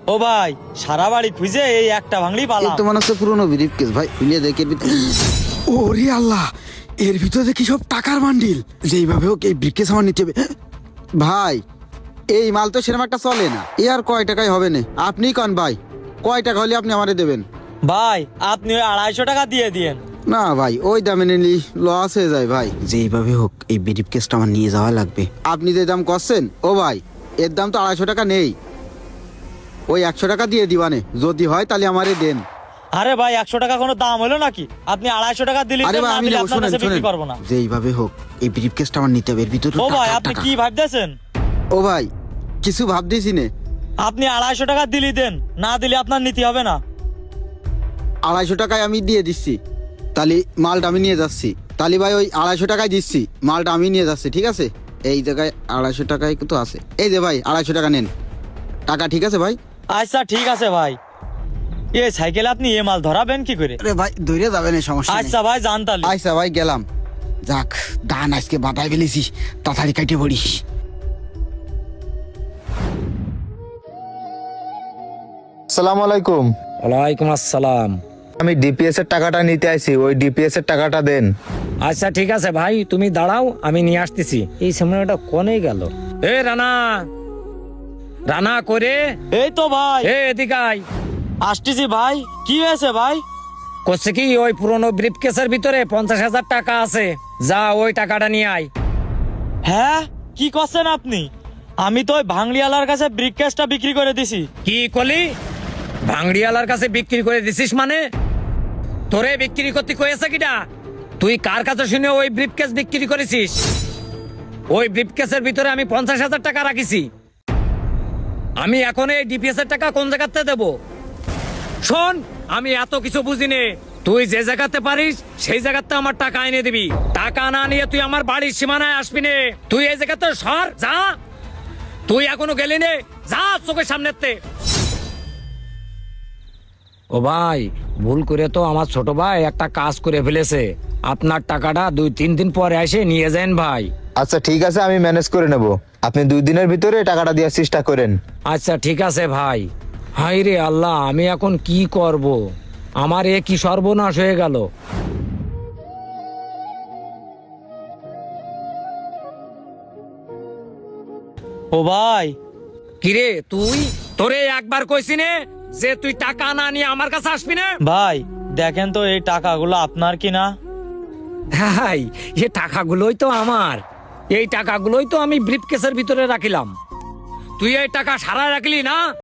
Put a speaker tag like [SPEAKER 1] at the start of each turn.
[SPEAKER 1] ও ভাই, সারা বাড়ি খুঁজে এই একটা ভাঙলি
[SPEAKER 2] এই
[SPEAKER 1] পালাম।
[SPEAKER 2] তো মনে হচ্ছে পুরোনো ব্রিফকেস ভাই, খুলে দেখে ওরে আল্লাহ, এর ভিতরে কি সব টাকার বান্ডিল। যেইভাবে হোক এই ব্রিফকেস আমার নিতে হবে। ভাই এই মাল তো সেরকম একটা চলে না, এ আর কয় টাকায় হবে না? আপনি কন ভাই, কয় টাকা হলে আপনি আমারে দেবেন?
[SPEAKER 1] ভাই আপনি ওই 250 টাকা দিয়ে দিয়েন।
[SPEAKER 2] না ভাই, ওই দামে নিলি লস হয়ে যায় ভাই। যেইভাবে হোক এই ব্রিফকেসটা আমার নিয়ে যাওয়া লাগবে। আপনি যে দাম করছেন ও ভাই, এর দাম তো 250 টাকা নেই। ওই 100 টাকা দিয়ে দিবানে, যদি হয় তাহলে আমারে দেন।
[SPEAKER 1] আরে ভাই 100 টাকা কোনো দাম হলো নাকি? আপনি 250 টাকা দিলে
[SPEAKER 2] আরে
[SPEAKER 1] দেন,
[SPEAKER 2] ভাই
[SPEAKER 1] না
[SPEAKER 2] আমি
[SPEAKER 1] দিলে
[SPEAKER 2] নেবো,
[SPEAKER 1] আপনার
[SPEAKER 2] শুনেন
[SPEAKER 1] কাছে বিক্রি
[SPEAKER 2] শুনেন,
[SPEAKER 1] করবো না।
[SPEAKER 2] যেইভাবে হোক এই ব্রিফকেসটা আমার নিতে হবে। এর ভিতরে
[SPEAKER 1] ও ভাই
[SPEAKER 2] টাকা,
[SPEAKER 1] আপনি
[SPEAKER 2] টাকা।
[SPEAKER 1] কি ভাবতেছেন?
[SPEAKER 2] ও ভাই কিছু ভাবতেছি নে।
[SPEAKER 1] আপনি 250 টাকা দিলি দেন, না দিলে আপনার নীতি হবে না।
[SPEAKER 2] 250 টাকায় আমি দিয়ে দিচ্ছি, তাহলে মালটা আমি নিয়ে যাচ্ছি। তাহলে ভাই ওই 250 টাকায় দিচ্ছি, মালটা আমি নিয়ে যাচ্ছি, ঠিক আছে? এই জায়গায় 250 টাকায় তো আছে, এই যে ভাই 250 টাকা নেন টাকা, ঠিক আছে ভাই?
[SPEAKER 1] আচ্ছা ঠিক আছে ভাই। এই সাইকেলে আপনি এ মাল ধরাবেন কি করে?
[SPEAKER 2] আরে ভাই ধরে যাবে না, সমস্যা নেই।
[SPEAKER 1] আচ্ছা ভাই জানতালি।
[SPEAKER 2] আচ্ছা ভাই গেলাম। যাক, দান আজকে বাতায় ফেলেছি, তাড়াতাড়ি কাটে পড়িস।
[SPEAKER 3] আসসালামু আলাইকুম।
[SPEAKER 4] ওয়ালাইকুম আসসালাম।
[SPEAKER 3] আমি ডিপিএস এর টাকাটা নিতে আইছি, ওই ডিপিএস এর টাকাটা দেন।
[SPEAKER 4] আচ্ছা ঠিক আছে ভাই, তুমি দাঁড়াও, আমি নিয়ে আসতেছি। এই সময়টা কোনে গেল? এ রানা, রানা করে
[SPEAKER 1] এই তো ভাই
[SPEAKER 4] এদিকে আয়।
[SPEAKER 1] আসতেছি ভাই। কি হয়েছে ভাই?
[SPEAKER 4] করছে কি, ওই পুরনো ব্রিফকেসের ভিতরে 50,000 টাকা আছে, যা ওই টাকাটা নিয়ে আয়।
[SPEAKER 1] হ্যাঁ কি করছেন আপনি? আমি তো ওই ভাঙলিওয়ালার কাছে ব্রিককেসটা বিক্রি করে দিছি।
[SPEAKER 4] কি কলি? ভাঙড়িওয়ালার কাছে বিক্রি করে দিছিস মানে? তোরে বিক্রি করতে কয়েছে কিটা? তুই কার কাছে শুনে ওই ব্রিফকেস বিক্রি করেছিস? ওই ব্রিফকেসের ভিতরে আমি 50,000 টাকা রাখিছি। আমি এখন এই ডিপিএস এর টাকা কোন জায়গাতে দেব? শোন, আমি এত কিছু বুঝি নে। তুই যে জায়গাতে পারিস সেই জায়গাতে আমার টাকা এনে দিবি। টাকা না নিয়ে তুই আমার বাড়ির সীমানায় আসবি নে। তুই এই জায়গাতে সর, যা। তুই এখনো গেলি নে, যা চোখের সামনেতে। ও ভাই, ভুল করে তো আমার ছোট ভাই একটা কাজ করে ফেলেছে। আপনার টাকাটা 2-3 দিন পরে এসে নিয়ে যান ভাই।
[SPEAKER 3] আচ্ছা ঠিক আছে, আমি ম্যানেজ করে নেব। আপনি 2 দিনের ভিতরে টাকাটা দেওয়ার চেষ্টা করেন।
[SPEAKER 4] আচ্ছা ঠিক আছে ভাই। হাই রে আল্লাহ, আমি এখন কি করব? আমার এ কি সর্বনাশ হয়ে গেল।
[SPEAKER 1] ও ভাই
[SPEAKER 4] কিরে তুই, তোরে একবার কইছি নে যে তুই টাকা না নিয়ে আমার কাছে আসবি না?
[SPEAKER 1] ভাই দেখেন তো এই টাকাগুলো আপনার কিনা?
[SPEAKER 4] হাই, এই টাকাগুলোই তো আমার। এই টাকাগুলোই তো আমি ব্রিফকেসের ভিতরে রাখিলাম। তুই এই টাকা সারা রাখলি না?